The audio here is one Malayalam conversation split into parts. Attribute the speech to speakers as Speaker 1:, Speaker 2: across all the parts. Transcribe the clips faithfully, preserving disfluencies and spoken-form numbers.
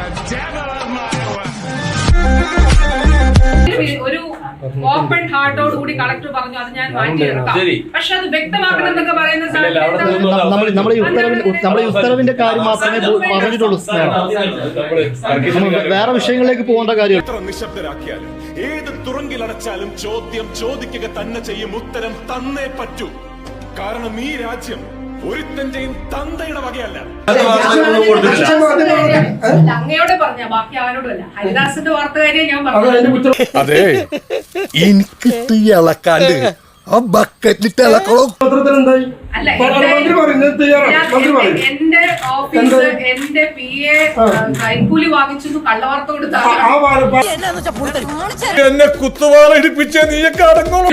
Speaker 1: ഒരു ഓപ്പൺ ഹാർട്ടോട് കൂടി കളക്ടർ പറഞ്ഞു അത് ഞാൻ മാറ്റിയെടുക്കാം. പക്ഷെ അത് വ്യക്തമാക്കണം എന്നൊക്കെ പറയുന്ന
Speaker 2: നമ്മുടെ ഉത്തരവിന്റെ കാര്യം മാത്രമേ പറഞ്ഞിട്ടുള്ളൂ. വേറെ വിഷയങ്ങളിലേക്ക് പോകേണ്ട കാര്യം.
Speaker 3: എത്ര നിശബ്ദരാക്കിയാലും ഏത് തുറങ്കിലടച്ചാലും ചോദ്യം ചോദിക്കുക തന്നെ ചെയ്യും. ഉത്തരം തന്നേ പറ്റൂ. കാരണം ഈ രാജ്യം ഒരുത്തന്റെയും തന്തയുടെ വകയല്ല.
Speaker 1: അങ്ങയോടെ പറഞ്ഞ ബാക്കി ആരോടുമല്ല. ഹരിദാസിന്റെ വാർത്തകാരിയെ ഞാൻ പറഞ്ഞു.
Speaker 4: അതെ, എനിക്ക് ഇളക്കാണ്ട് ആ ബക്കറ്റിട്ട് ഇളക്കണോ?
Speaker 1: അല്ല, എന്റെ ഓഫീസ് എന്റെ പി എ കൈക്കൂലി വാങ്ങിച്ചു കള്ളവാർത്ത കൊടുത്താൽ
Speaker 4: എന്നെ കുത്തുവാള ഇടിപ്പിച്ച നീയൊക്കെ അടങ്ങോളൂ.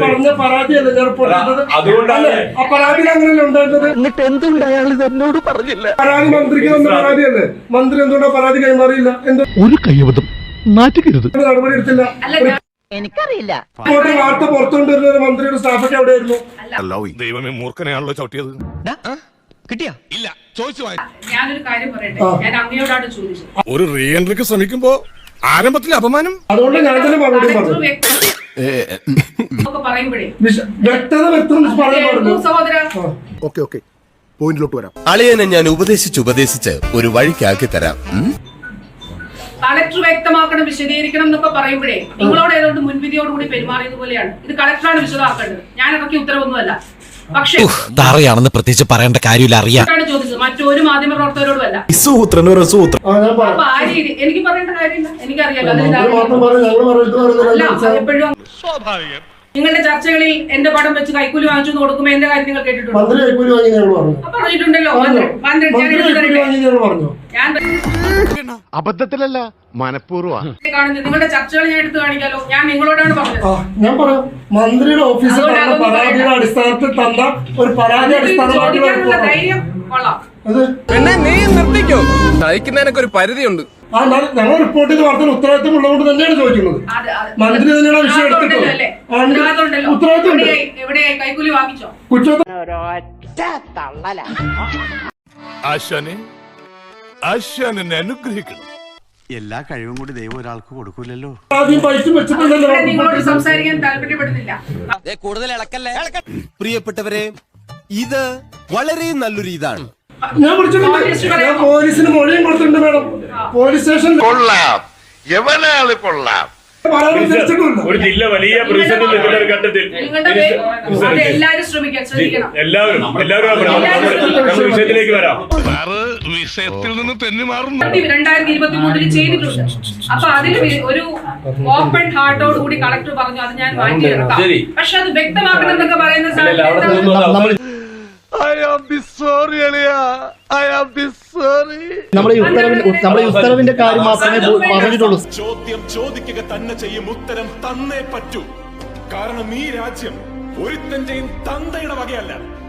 Speaker 2: എന്നിട്ട് എന്തുകൊണ്ട് അയാൾ ഇത് എന്നോട് പറഞ്ഞില്ല?
Speaker 5: പരാതി മന്ത്രിക്ക് തന്ന പരാതിയല്ലേ, മന്ത്രി എന്തുകൊണ്ടാ പരാതി കൈമാറിയില്ല? എന്തോ
Speaker 2: ഒരു കയ്യബദ്ധം, നാറ്റുകരുത്.
Speaker 5: നടപടി എടുത്തില്ല.
Speaker 6: എനിക്കറിയില്ല.
Speaker 5: വാർത്ത പുറത്തുകൊണ്ടിരുന്ന ഒരു മന്ത്രിയുടെ സ്റ്റാഫൊക്കെ എവിടെയായിരുന്നു?
Speaker 4: ദൈവമേ, മൂർഖനെയാണല്ലോ ചവിട്ടിയത്.
Speaker 6: കിട്ടിയാ
Speaker 4: ഇല്ല, ചോദിച്ചു.
Speaker 1: ഞാനൊരു കാര്യം പറയട്ടെ, ഞാൻ അങ്ങയോടാണ് ചോദിച്ചത്.
Speaker 4: ഒരു റീ എൻട്രിക്ക് ശ്രമിക്കുമ്പോ ആരംഭത്തിൽ അപമാനം.
Speaker 5: അതുകൊണ്ട് ഞാൻ തന്നെ മറുപടി പറഞ്ഞു.
Speaker 1: പറയുമ്പോഴേ
Speaker 5: വ്യക്തത വ്യക്തം പറയാൻ പറഞ്ഞു.
Speaker 1: സഹോദര,
Speaker 4: ഓക്കെ ഓക്കെ പോയിന്റിലോട്ട് വരാം.
Speaker 7: അളിയനെ ഞാൻ ഉപദേശിച്ച് ഉപദേശിച്ച് ഒരു വഴിക്കാക്കി തരാം.
Speaker 1: കളക്ടർ വ്യക്തമാക്കണം, വിശദീകരിക്കണം എന്നൊക്കെ പറയുമ്പോഴേ നിങ്ങളോട് ഏതോണ്ട് മുൻവിധിയോടുകൂടി പെരുമാറിയത് പോലെയാണ്. ഇത് കളക്ടറാണ് വിശദമാക്കേണ്ടത്, ഞാൻ ഇറക്കിയ ഉത്തരവൊന്നുമല്ല. പക്ഷേ
Speaker 7: തറയാണെന്ന് പ്രത്യേകിച്ച് പറയേണ്ട കാര്യമില്ല, അറിയാം.
Speaker 1: ചോദിച്ചത് മറ്റൊരു മാധ്യമ പ്രവർത്തകരോടുമല്ല. അപ്പൊ ആ രീതി എനിക്ക് പറയേണ്ട കാര്യമില്ല, എനിക്കറിയാലോ. എപ്പോഴും നിങ്ങളുടെ ചർച്ചകളിൽ എന്റെ പടം വെച്ച് കൈക്കൂലി വാങ്ങിച്ചു കൊടുക്കുമ്പോ എന്റെ കാര്യം നിങ്ങൾ കേട്ടിട്ടുണ്ടോ? പറഞ്ഞിട്ടുണ്ടല്ലോ.
Speaker 4: അബദ്ധത്തിലല്ല, മനഃപൂർവ്വം.
Speaker 1: നിങ്ങളുടെ ചർച്ചകൾ ഞാൻ എടുത്ത് കാണിക്കാലോ. ഞാൻ നിങ്ങളോടാണ് പറഞ്ഞത്.
Speaker 5: ഞാൻ പറയാം, മന്ത്രിയുടെ ഓഫീസിൽ തന്ന പരാതിയുടെ അടിസ്ഥാനത്തിൽ തന്ന ഒരു പരാതി അടിസ്ഥാനമാക്കി
Speaker 1: ധൈര്യം കൊള്ളാം.
Speaker 8: പിന്നെ നീ നിർത്തിക്കോ, സഹിക്കുന്നതിനൊക്കെ ഒരു പരിധിയുണ്ട്.
Speaker 5: ആ ഞങ്ങൾ റിപ്പോർട്ട് ചെയ്ത വാർത്തയിൽ ഉത്തരവാദിത്വം ഉള്ളതുകൊണ്ട് തന്നെയാണ് ചോദിക്കുന്നത്. മന്ത്രി തന്നെയാണ് വിഷയം എടുത്തിട്ടുള്ളത്. ഉത്തരവാദിത്വം
Speaker 1: കൈക്കൂലി വാങ്ങിച്ചോ?
Speaker 4: ആശാനെ, ആശാനെ അനുഗ്രഹിക്കണം.
Speaker 9: എല്ലാ കഴിവും കൂടി ദൈവം ഒരാൾക്ക് കൊടുക്കൂലല്ലോ.
Speaker 5: ആദ്യം പൈസ വെച്ചിട്ടുണ്ടല്ലോ.
Speaker 1: നിങ്ങളോട് സംസാരിക്കാൻ താല്പര്യപ്പെടുന്നില്ല.
Speaker 7: കൂടുതൽ ഇളക്കല്ലേ. പ്രിയപ്പെട്ടവരെ, ഇത് വളരെ നല്ലൊരു ഇതാണ്.
Speaker 5: ഞാൻ വിളിച്ചിട്ടുണ്ട്, ഞാൻ പോലീസിന് മൊഴിയും കൊടുത്തിട്ടുണ്ട് മാഡം. പോലീസ് സ്റ്റേഷനിൽ
Speaker 4: കൊള്ളാം, എവനാള് കൊള്ളാം.
Speaker 10: ഒരു ജില്ല വലിയ പ്രതിസന്ധി നിൽക്കുന്ന ഒരു ഘട്ടത്തിൽ
Speaker 1: എല്ലാവരും ശ്രമിക്കാൻ ശ്രദ്ധിക്കണം.
Speaker 10: എല്ലാവരും എല്ലാവരും വിഷയത്തിലേക്ക് വരാം.
Speaker 4: വിഷയത്തിൽ നിന്ന് തെന്നി മാറുന്നു.
Speaker 1: രണ്ടായിരത്തി ഇരുപത്തി മൂന്നില് ചെയ്തിട്ടുണ്ട്. അപ്പൊ അതിൽ ഒരു ഓപ്പൺ ഹാർട്ടോട് കൂടി കളക്ടർ പറഞ്ഞു അത് ഞാൻ മാറ്റിയെടുക്കാം. പക്ഷെ അത് വ്യക്തമാക്കണം എന്നൊക്കെ പറയുന്ന
Speaker 2: നമ്മുടെ നമ്മുടെ ഉത്തരവിന്റെ കാര്യം മാത്രമേ പറഞ്ഞിട്ടുള്ളൂ.
Speaker 3: ചോദ്യം ചോദിക്കുക തന്നെ ചെയ്യും. ഉത്തരം തന്നേ പറ്റൂ. കാരണം ഈ രാജ്യം ഒരുത്തന്റെയും തന്തയുടെ വകയല്ല.